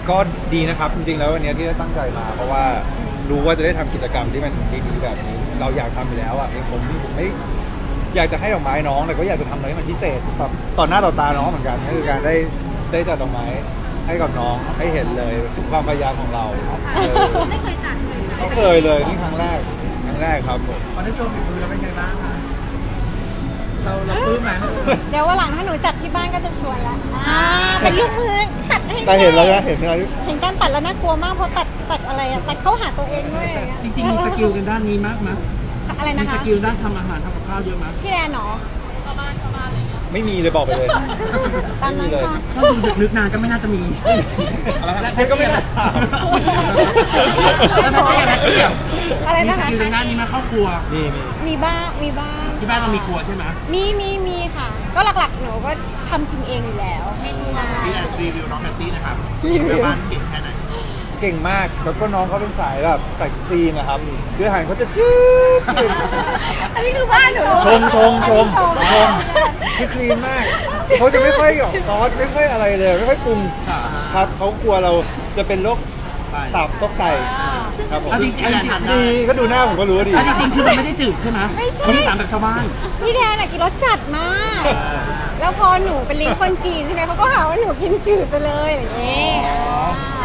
ก็ดีนะครับจริงๆแล้ววันนี้ที่ได้ตั้งใจมาเพราะว่ารู้ว่าจะได้ทำกิจกรรมที่มันดีๆแบบนี้เราอยากทำอยู่แล้วอ่ะผมไม่อยากจะให้ดอกไม้น้องแต่ก็อยากจะทำอะไรให้มันพิเศษแบบต่อหน้าต่อตาน้องเหมือนกันก็คือการได้จัดดอกไม้ให้กับน้องให้เห็นเลยถึงความพยายามของเราไม่เคยจัดเลยเขาเคยเลยนี่ครั้งแรกครับผมพอได้โชว์ฝีมือแล้วเป็นไงบ้างคะเราปลื้มไหมเดี๋ยววันหลังถ้าหนูจัดที่บ้านก็จะชวนละเป็นลูกมือตัดให้แต่เห็นแล้วนะเห็นอะไรเห็นการตัดแล้วน่ากลัวมากเพราะตัดอะไรอะตัดเข้าหาตัวเองด้วยอะจริงๆมีสกิลกันด้านนี้มากมั้ยอะไรมีนะสคะกิลด้านทำอาหารทำกับข้าวเยอะมั้ยพี่แดนเนาะไม่มีเลยบอกไปเลยตามนั้นค่ะถ้าดูลึกๆนานก็ไม่น่าจะมีแล้วก็ไม่น่าถามแล้วไม่ได้อะไรเกี่ยวอะไรมีนะสคะกิลด้านนี้มาครอบครัวมีมีบ้างที่บ้านเรามีครัวใช่ไหมมีค่ะ ก็หลักๆหนูก็ทำกินเองอยู่แล้วใช่พี่แอนรีวิวน้องแพตตี้นะครับรีวิวแม่บ้านเก่งแค่ไหนเก่งมากแล้วก็น้องเขาเป็นสายแบบใส่คลีนนะครับคืออาหารเขาจะจืดอันนี้คือบ้านหนูชมคือคลีนมากเขาจะไม่ค่อยหยอกซอสไม่ค่อยอะไรเลยไม่ค่อยปรุงครับเขากลัวเราจะเป็นโรคตับโรคไตครับผมเอาจริงๆดีก็ดูหน้าผมก็รู้ว่าดีเอาจริงๆคือมันไม่ได้จืดใช่ไหมไม่ใช่ไม่ได้ตามแบบชาวบ้านพี่แดนอะกินรสจัดมาก แล้วพอหนูเป็นลิ้นคนจีนใช่ไหมเขาก็หาว่าหนูกินจืดไปเลยอะไรอย่างเงี้ยไม่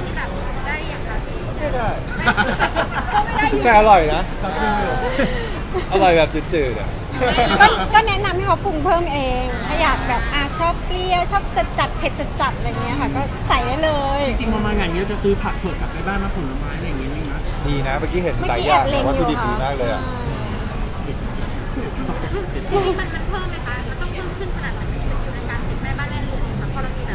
ได้แต่อร่อยนะอร่อยแบบจืดๆอ่ะก็แนะนำให้เขาปรุงเพิ่มเอง ถ้าอยากแบบชอบเปรี้ยวชอบจัดเผ็ดจัดอะไรเงี้ยค่ะ ก็ใส่ได้เลยจริงๆประมาณอย่างนี้เราจะซื้อผักเผือกกลับไปบ้านมาผลไม้อะไรอย่างงี้ไหมนะดีนะเมื่อกี้เห็นเมื่อหลายกี้อแอย่าง บเล็งวัตอถุยู่ดิบดีค่ะมากเลยอ่ะมันเพิ่มไหมคะ มันต้องเพิ่มขึ้นขนาดไหนในการติดแม่บ้านแม่ลูกค่ะเพราะเรามีแบบ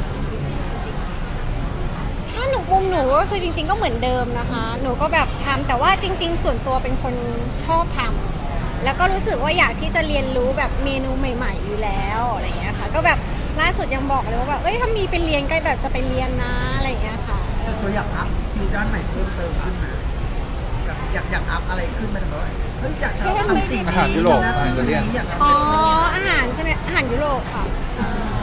ถ้าหนูปรุงหนูก็คือจริง ๆ ก็เหมือนเดิมนะคะ หนูก็แบบทำแต่ว่าจริง ๆ ส่วนตัวเป็นคนชอบทำแล้วก็รู้สึกว่าอยากที่จะเรียนรู้แบบเมนูใหม่ ๆ อยู่แล้วอะไรเงี้ยค่ะ ก็แบบล่าสุดยังบอกเลยว่าแบบถ้ามีไปเรียนก็แบบจะไปเรียนนะอะไรเงี้ยค่ะแต่ตัวอยากอัพสกิลด้านไหนเพิ่มเติมขึ้นไหมแบบอยากอัพอะไรขึ้นไหมแต่ว่าเฮ้ยอยากจะทำสิ่งนี้อาหารยุโรปอาหารอิตาเลียนอยากอ๋อทำอาหารใช่ไหมอาหารยุโรปค่ะใช่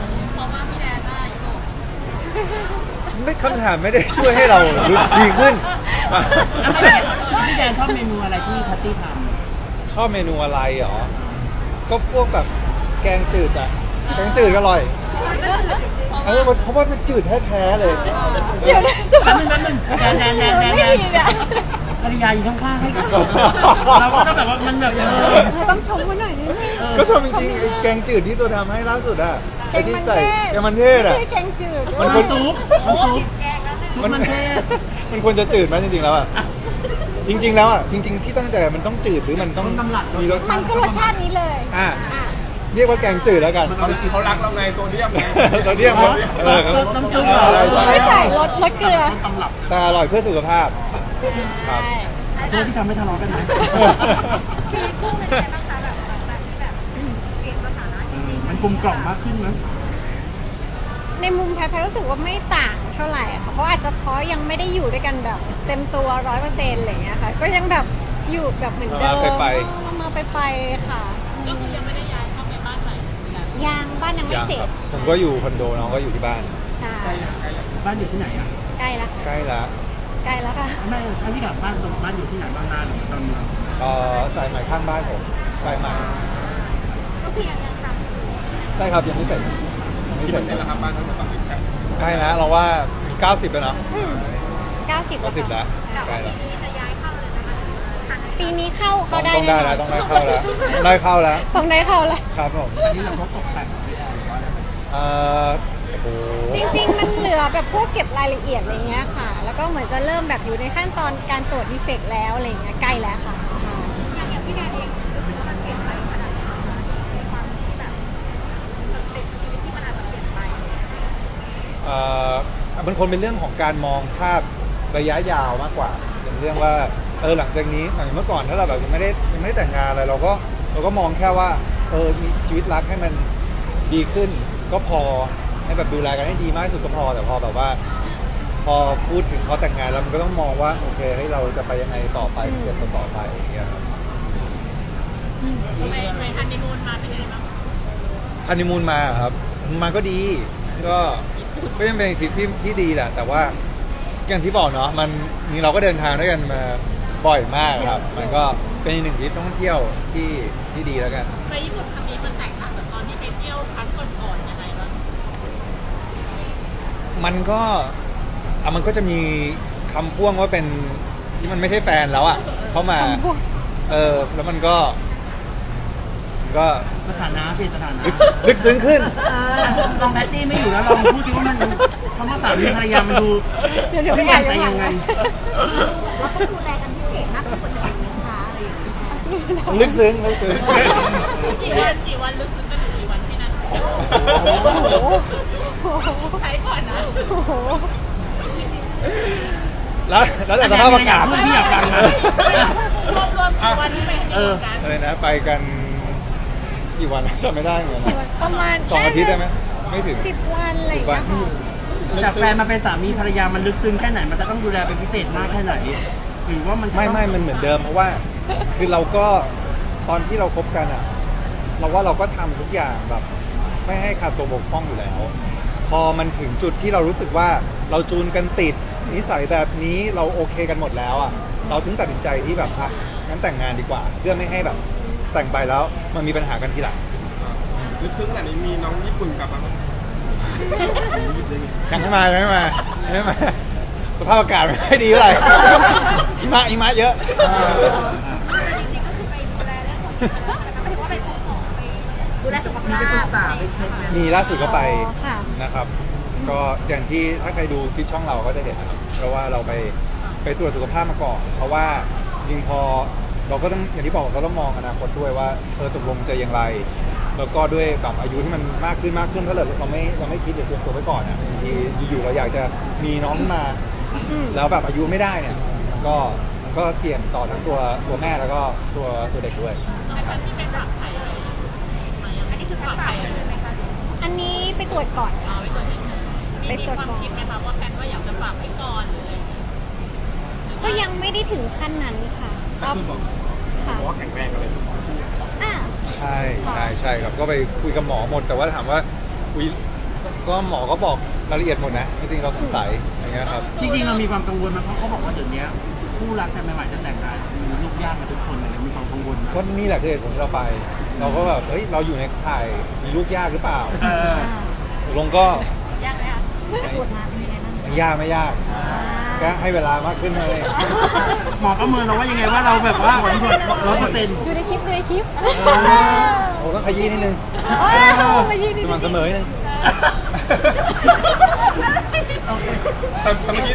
ไม่คำถามไม่ได้ช่วยให้เราดีขึ้นพี่แดนชอบเมนูอะไรที่แพตตี้ทชอบเมนูอะไรเหรอ ก็พวกแบบแกงจืดอะแกงจืดก็อร่อยเพราะว่ามันจืดแท้ๆเลยเดี๋ยวนะำแป๊บนึงแดนไม่ดีเนี่ยภรรยาอยู่ข้างๆให้เราก็ต้องแบบว่ามันแบบเราต้องชมเขาหน่อยนิดนึงก็ชอบจริงๆไอ้แกงจืดที่ตัวทำให้ล่าสุดอะแกไอ้งที่มันใส่เทศแกงมันเทศอะไม่ใช่แกงจืดมันมันซุปซุปมันเทศมันควรจะจืดไหมจริงๆแล้วอะจริง ๆ แล้วอะจริง ๆ ที่ตั้งใจมันต้องจืดหรือมันต้องมีรสมันก็รสชาตินี้เลยอ่ะเรียกว่าแกงจืดแล้วกันจริงๆเขารักเราไงโซเดียมไงโซเดียมครับน้ำซุปไม่ใส่รสเกลือต้นตำรับแต่อร่อยเพื่อสุขภาพ ครับโทษที่ทำให้ทะเลาะกันไหมชีวิตคู่เป็นไงบ้างคะแบบที่แบบเปลี่ยนสถานะจริงมันกลมกล่อมมากขึ้นไหมในมุมแพทย์รู้สึกว่าไม่ต่างเท่าไหร่ค่ะ เพราะอาจจะเพราะยังไม่ได้อยู่ด้วยกันแบบเต็มตัว100%อะไรอย่างเงี้ยค่ะ ก็ยังแบบอยู่แบบเหมือนเดิม มาไปค่ะ ก็คือยังไม่ได้ย้ายเข้าไปบ้านใหม่ยังบ้านยังไม่ยังเสร็คจรับผมก็อยู่คอนโดน้องก็อยู่ที่บ้านใช่บ้านอยู่ที่ไหนอ่ะใกล้แล้วใกล้แล้วใกล้แล้วค่ะไม่ถ้าพี่กลับบ้านตรงบ้านอยู่ที่ไหนบ้างนาหรือตอนเมืองสายใหม่ข้างบ้านผมสายใหม่ๆก็คือยังทำใช่ครับยังไม่เสร็จยังไม่เสร็จนี่แหละครับบ้านทั้งหมดฝั่งนี้ครับใกล้แล้วเราว่ามี90แล้วนะ 90 90แล้วใกล้แล้วปีนี้จะย้ายเข้าเลยนะคะปีนี้เข้าได้ต้องได้แล้วต้องได้เข้าแล้วได้เข้าแล้วต้องได้เข้าแล้วครับผมอันนี้เราก็ตกแต่งพี่แอนหรือว่าอะไรโอ้โหจริงๆ มันเหลือแบบพวกเก็บรายละเอียดอะไรเงี้ยค่ะ แล้วก็เหมือนจะเริ่มแบบอยู่ในขั้นตอนการตรวจดีเฟกต์แล้วอะไรเงี้ยใกล้แล้วค่ะใช่อย่างพี่แดนเองรู้สึกว่ามันเปลี่ยนไปขนาดไหนคะในความที่แบบสเต็ปชีวิตที่มันอาจจะเปลี่ยนไปมันคงเป็นเรื่องของการมองภาพระยะยาวมากกว่าเป็นเรื่องว่าหลังจากนี้อย่างเมื่อก่อนถ้าเราแบบยังไม่ได้แต่งงานอะไรเราก็มองแค่ว่ามีชีวิตรักให้มันดีขึ้นก็พอให้แบบดูแลกันให้ดีมากที่สุดก็พอแต่พอแบบว่า พอพูดถึงเขาแต่งงานแล้วมันก็ต้องมองว่าโอเคให้เราจะไปยังไงต่อไปเกิดต่อไปอย่างเงี้ยครับไปฮันนีมูนมาเป็นยังไงบ้างฮันนีมูนมาเหรอครับมาก็ดีก็ยังเป็นทริปที่ดีแหละแต่ว่าอย่างที่บอกเนาะมันนี่เราก็เดินทางด้วยกันมาบ่อยมากครับ มันก็เป็นอีกหนึ่งทริปท่องเที่ยวที่ดีแล้วกันไปญี่ปุ่นครั้งนี้มันแตกต่างจากตอนที่ไปเที่ยวครั้งก่อนๆยังไงบ้างมันก็มันก็จะมีคำพ่วงว่าเป็นที่มันไม่ใช่แฟนแล้วอ่ะเข้ามาคำพูดแล้วมันก็สถานะเปลี่ยนสถานะลึกซึ้งขึ้นลองแพตตี้ไม่อยู่แล้วลองพูดดิว่ามันคำว่าสามีภรรยามันดูเดี๋ยวไปอ่านไปย้อนหลัยัง งไงเราต้องดูแลกันพิเศษมากกว่าคนอื่นไหมคะอะไรอย่างเงี้ยลึกซึ้งกี่วันลึกซึ้งกันอยู่กี่วันที่นั่นโอ้โหใช้ก่อนนะโอ้โหแล้วแต่สภาพอากาศที่อยากฟังนะรวมกี่วันที่ไปฮันนีมูนกันอะไรนะไปกันกี่วันจำไม่ได้เหมือนกันนะประมาณ 2 อาทิตย์ได้ไหมไม่ถึง 10 วันอะไรอย่างเงี้ยค่ะจากแฟนมาเป็นสามีภรรยามันลึกซึ้งแค่ไหนมันจะต้องดูแลเป็นพิเศษมากแค่ไหนหรือว่ามันจะต้องไม่มันเหมือนเดิมเพราะว่าคือเราก็ตอนที่เราคบกันอ่ะเราว่าเราก็ทำทุกอย่างแบบไม่ให้ขาดตัวบกพร่องอยู่แล้ว พอมันถึงจุดที่เรารู้สึกว่าเราจูนกันติดนิสัยแบบนี้เราโอเคกันหมดแล้วอ่ะเราถึงตัดสินใจที่แบบอ่ะงั้นแต่งงานดีกว่า เพื่อไม่ให้แบบแต่งไปแล้วมันมีปัญหากันทีหลังลึกซึ้งขนาดนี้มีน้องญี่ปุ่นกลับมาบ้างยังไม่มาสภาพอากาศไม่ค่อยดีเท่าไหร่หิมะเยอะจริงๆก็คือไปดูแลเรื่องของสุขภาพนะคะหมายถึงว่าไปพบหมอไปดูแลสุขมีภาพไปปรึกษาไปเช็คไหมมีล่าสุดก็ไปอ๋อค่ะนะครับ ก็อย่างที่ถ้าใครดูคลิปช่องเราก็จะเห็นนะครับเพราะว่าเราไปตรวจสุขภาพมาก่อน เพราะว่าจริงพอเราก็ต้องอย่างที่บอกเราต้องมองอนาคตด้วยว่าตกลงจะอย่างไร แล้วก็ด้วยแบบอายุที่มันมากขึ้นถ้าเราไม่คิดหรือเตรียมตัวไว้ก่อนอ่ะบางทีอยู่ๆเราอยากจะมีน้องขึ้นมา แล้วแบบอายุไม่ได้เนี่ยก็เสี่ยงต่อทั้งตัวแม่แล้วก็ตัวเด็กด้วยในการที่ไปฝากไข่อะไรอันนี้คือฝากไข่เลยไหมคะอันนี้ไปตรวจก่อนค่ะเอาไว้ตัวเฉยๆมีไปตรวจความก่อนคิดไหมคะว่าแฟนว่าอยากจะฝากไว้ก่อนหรืออะไรอย่างเงี้ยก็ยังไม่ได้ถึงขั้นนั้นค่ะก็คือบอกค่ะว่าแข็งแรงกันเลยอ่ะใช่ครับก็ไปคุยกับหมอหมดแต่ว่าถามว่าคุยก็หมอก็บอกรายละเอียดหมดนะจริงๆเราสงสัยอย่างเงี้ยครับจริงๆเรามีความกังวลไหมเพราะเขาบอกว่าเดี๋ยวนี้คู่รักกันใหม่ๆจะแต่งงานมีลูกยากกันทุกคนเลยมีความกังวลไหมก็นี่แหละคือเหตุผลที่เราไป เราก็แบบเฮ้ยเราอยู่ในข่ายมีลูกยากหรือเปล่าเออตกลงก็ยากไหมคะปวดมาเป็นยังไงบ้างไม่ยากแค่ให้เวลามากขึ้นเลยหมอประเมินเราว่ายังไงว่าเราแบบว่า100% ดูในคลิปโอ้ต้องขยี้นิดนึงมายืนสม่ำเสมอนิดนึงแต่เมื่อกี้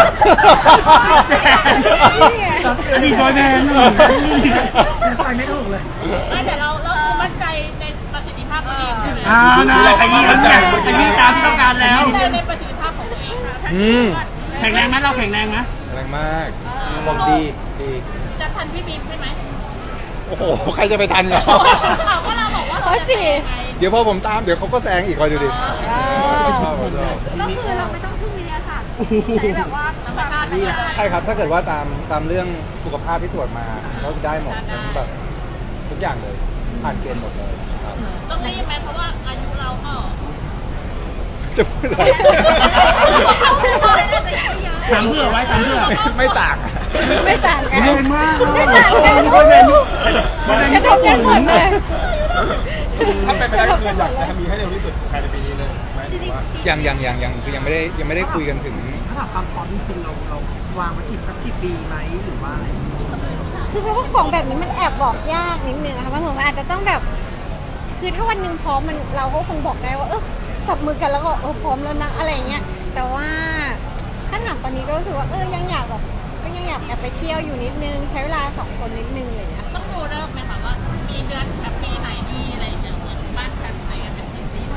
อดีตบอยแบนด์ไปไม่ถูกเลยไม่แต่เรามั่นใจในประสิทธิภาพตัวเองใช่ไหมนะขยี้ตามที่ต้องการแล้วมั่นใจในประสิทธิภาพของตัวเองค่ะแข็งแรงไหมเราแข็งแรงไหมแรงมากบอกดีจะทันพี่บีมใช่ไหมโอ้โหใครจะไปทันเหรอก็เราบอกว่าเขาสิเดี๋ยวพอผมตามเดี๋ยวเขาก็แซงอีกคอยดูดิชอบก็คือเราไม่ต้องพึ่งวิทยาศาสตร์ใช้แบบว่าธรรมชาติไปเลยใช่ครับ ถ้าเกิดว่าตามเรื่องสุขภาพที่ตรวจมาก็ได้หมดแบบทุกอย่างเลย ผ่านเกณฑ์หมดเลยครับต้องรีบไหมเพราะว่าอายุเราก็จะพูดอะไรเข้าไปเลยน่าจะยังไม่เยอะถามเพื่อไว้ถามเพื่อไม่ต่างไม่ต่างกันแรงมากไม่ต่างกันบอยแบนด์กระทบกันหมดเลยถ้าเป็นไปได้ก็คืออยากจะมีให้เร็วที่สุดภายในปีนี้เลยไหมจริงๆยังคือยังไม่ได้คุยกันถึงถ้าถามความพร้อมจริงๆเราวางไว้อีกสักกี่ปีไหมหรือว่าอะไรคือเพราะว่าของแบบนี้มันแอบบอกยากนิดนึงนะคะมันเหมือนมันอาจจะต้องแบบ คือถ้าวันหนึ่งพร้อมเราก็คงบอกได้ว่าจับมือกันแล้วก็พร้อมแล้วนะอะไรอย่างเงี้ย แต่ว่าถ้าถามตอนนี้ก็รู้สึกว่ายังอยากแบบก็ยังอยากแอบไปเที่ยวอยู่นิดนึงใช้เวลา2 คนนิดนึงอะไรอย่างเงี้ยต้องดูเริ่มไหมคะว่ามีเดือนแบบปีไหนดีอะไรอย่างเงี้ยเหมือนบ้านแบบไหนกันเป็นจริง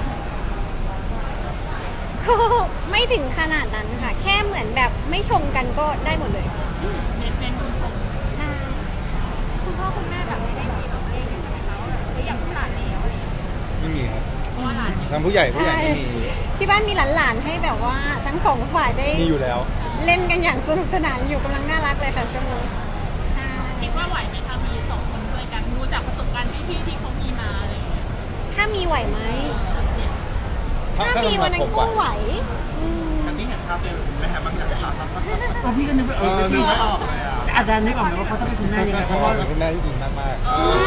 ก็ไม่ถึงขนาดนั้นค่ะ แค่เหมือนแบบไม่ชงกันก็ได้หมดเลยๆเน้นดูชมใช่คุณพ่อคุณแม่แบบไม่ได้มีแบบเลขใช่ไหมคะว่าแบบอยากหลานแล้วอะไรอย่างเงี้ยไม่มีครับเพราะว่าหลานทางผู้ใหญ่ไม่มีที่บ้านมีหลานๆให้แบบว่าทั้งสองฝ่ายได้มีอยู่แล้วเล่นกันอย่างสนุกสนานอยู่กำลังน่ารักเลยค่ะช่วงนี้ใช่คิดว่าไหวไหมคะมี2 คนช่วยกันดูจากประสบการณ์พี่ๆที่เขามีมาอะไรอย่างเงี้ยถ้ามีไหวไหมเนี่ยถ้ามีวันนั้นก็ไหวอืมอันนี้เห็นภาพเลยไหมฮะบางอย่างภาพตอนพี่ก็นึกว่านึกพี่ไม่ออกเลยอ่ะอาจารย์นึกออกไหมว่าเขาต้องเป็นคุณแม่ยังไงเพราะว่าเป็นคุณแม่ที่ดีมาก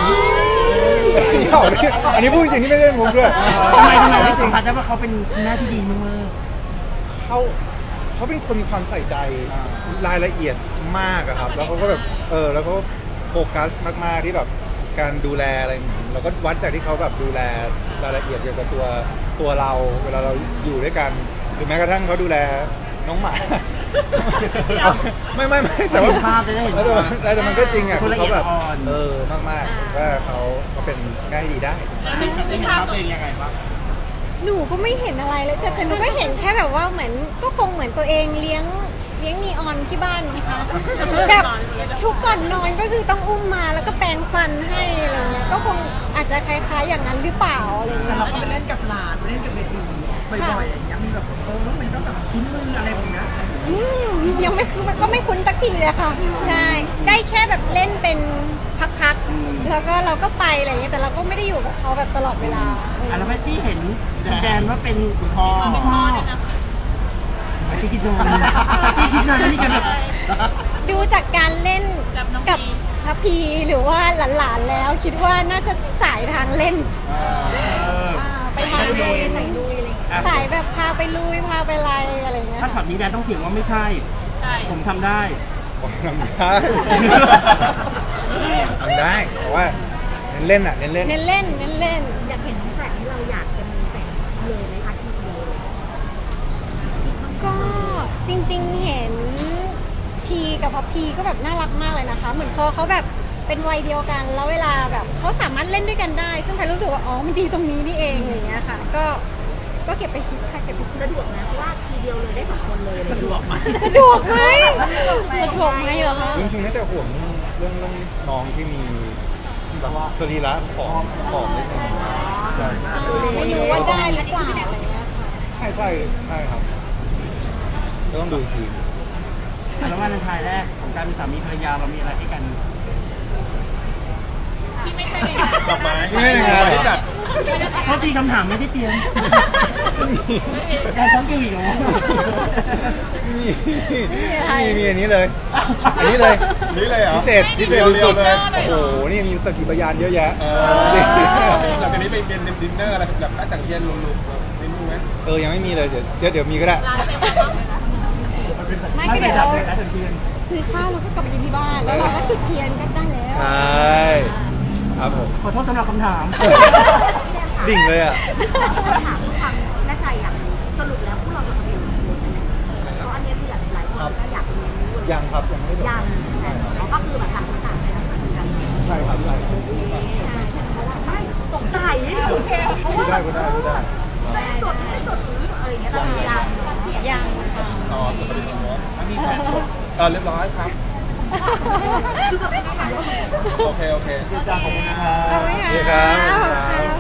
ๆอันนี้พูดจริงที่ไม่ได้มุกด้วยทำไมจที่สัริมงผัสได้ว่าเขาเป็นคุณแม่ที่ดีมากเขาเป็นคนมีความใส่ใจรายละเอียดมากอะครับแล้วเขาก็แบบแล้วเขาโฟกัสมากๆที่แบบการดูแลอะไรเราก็วัดจากที่เขาแบบดูแลรายละเอียดเกี่ยวกับตัวเราเวลาเราอยู่ด้วยกันหรือแม้กระทั่งเขาดูแลน้องหมาไม่แต่ว่าเห็นภาพได้เห็นภาพแต่มันก็จริงอ่ะคนละเขาแบบเอียดอ่อนมากๆว่าเขาเป็นแม่ที่ดีได้ได้เห็นภาพตัวเองยังไงบ้างหนูก็ไม่เห็นอะไรเลยแต่หนูก็เห็นแค่แบบว่าเหมือนก็คงเหมือนตัวเองเลี้ยงนีออนที่บ้านนะคะแบบทุกก่อนนอนก็คือต้องอุ้มมาแล้วก็แปรงฟันให้อะไรเงี้ยก็คงอาจจะคล้ายๆอย่างนั้นหรือเปล่าอะไรแต่เงี้ยเราก็ไปเล่นกับหลานไปเล่นกับเบบีบ่อยๆอย่างเงี้ยมีแบบมันก็แบบคุ้นมืออะไรแบบนี้ยังไม่คือมันก็ไม่คุ้นสักทีเลยค่ะใช่ได้แค่แบบเล่นเป็นพักๆแล้วก็เราก็ไปอะไรเงี้ยแต่เราก็ไม่ได้อยู่กับเขาแบบตลอดเวลาๆแล้วแม่ที่เห็นแดนว่าเป็นคุณพ่อพี่คิดนานพี่คิดนานนี่กันแบบดูจากการเล่นกับพระพีหรือว่าหลานๆแล้วคิดว่าน่าจะสายทางเล่นไปทางลุยสายแบบพาไปลุยพาไปอะไรเงี้ยถ้าช็อตนี้แดนต้องเถียงว่าไม่ใช่ ผมทำได้ทำได้ทำได้เพราะว่าเล่นเล่นเน้นเล่นเน้นเล่นอยากเห็นน้องแฝดที่เราอยากจะมีแฝดเลยไหมคะทีเดียวก็จริงๆเห็นทีกับพับพีก็แบบน่ารักมากเลยนะคะ เหมือนพอเขาแบบเป็นวัยเดียวกันแล้วเวลาแบบเขาสามารถเล่นด้วยกันได้ ซึ่งใครรู้สึกว่าอ๋อมันดีตรงนี้นี่เองอะไรอย่างเงี้ยค่ะ ก็เก็บไปคิดค่ะเก็บไปคิดสะดวกนะเพราะว่าทีเดียวเลยได้2 คนเลยสะดวกไหมสะดวกไหมสะดวกไหมเหรอคะจริงๆน่าจะห่วงเรื่องน้องที่มีแบบว่าสรีระผอมนิดนึงไม่รู้ว่าได้หรือเปล่าอะไรเงี้ยค่ะใช่ครับก็ต้องดูอีกทีแล้ววันท้ายแรกของการเป็นสามีภรรยาเรามีอะไรให้กันดอกไม้ไม่ในงานเหรอจัดเพราะตีคำถามไม่ได้เตรียมแต่ช้อนกิวอีกเหรอมีอันนี้เลย อันนี้เลยนี่เลยเหรอพิเศษเรียวสุดเลยโอ้โหนี่มีสกิปยานเยอะแยะหลังจากนี้ไปเป็นดินเนอร์อะไรแบบนักสังเกตลุงๆนิดนึงไหมยังไม่มีเลยเดี๋ยวมีก็ได้ไม่ไม่ก็เป็เดี๋นยวไรเราแต่เทียนซื้อข้าวเราก็กลับไปกินที่บ้านแล้วเราก็จุดเทียนก็ได้แล้วใช่ครับผมขอโทษสำหรับคำถามดิ่งเลยอ่ะถามความแน่ใจอยากรู้สรุปแล้วพวกเราจะเป็นคนเพราะอันนี้คือหลายคนก็อยากรู้ยังครับยังไม่ได้ยังใช่ไหมเขาก็คือแบบต่างคนต่างใช้ทักษะกันใช่ครับใช่ไม่สงสัยโอเคเพราะว่าพูดได้จดไม่จดหรืออะไรอย่างเงี้ยแต่ยังยังค่ะอ๋อจะไปดูเนาะมีแผนเรียบร้อยครับคือแบบไม่ทันโอเคจ้าขอบคุณครับขอบคุณค่ะดีครับขอบคุณค่ะ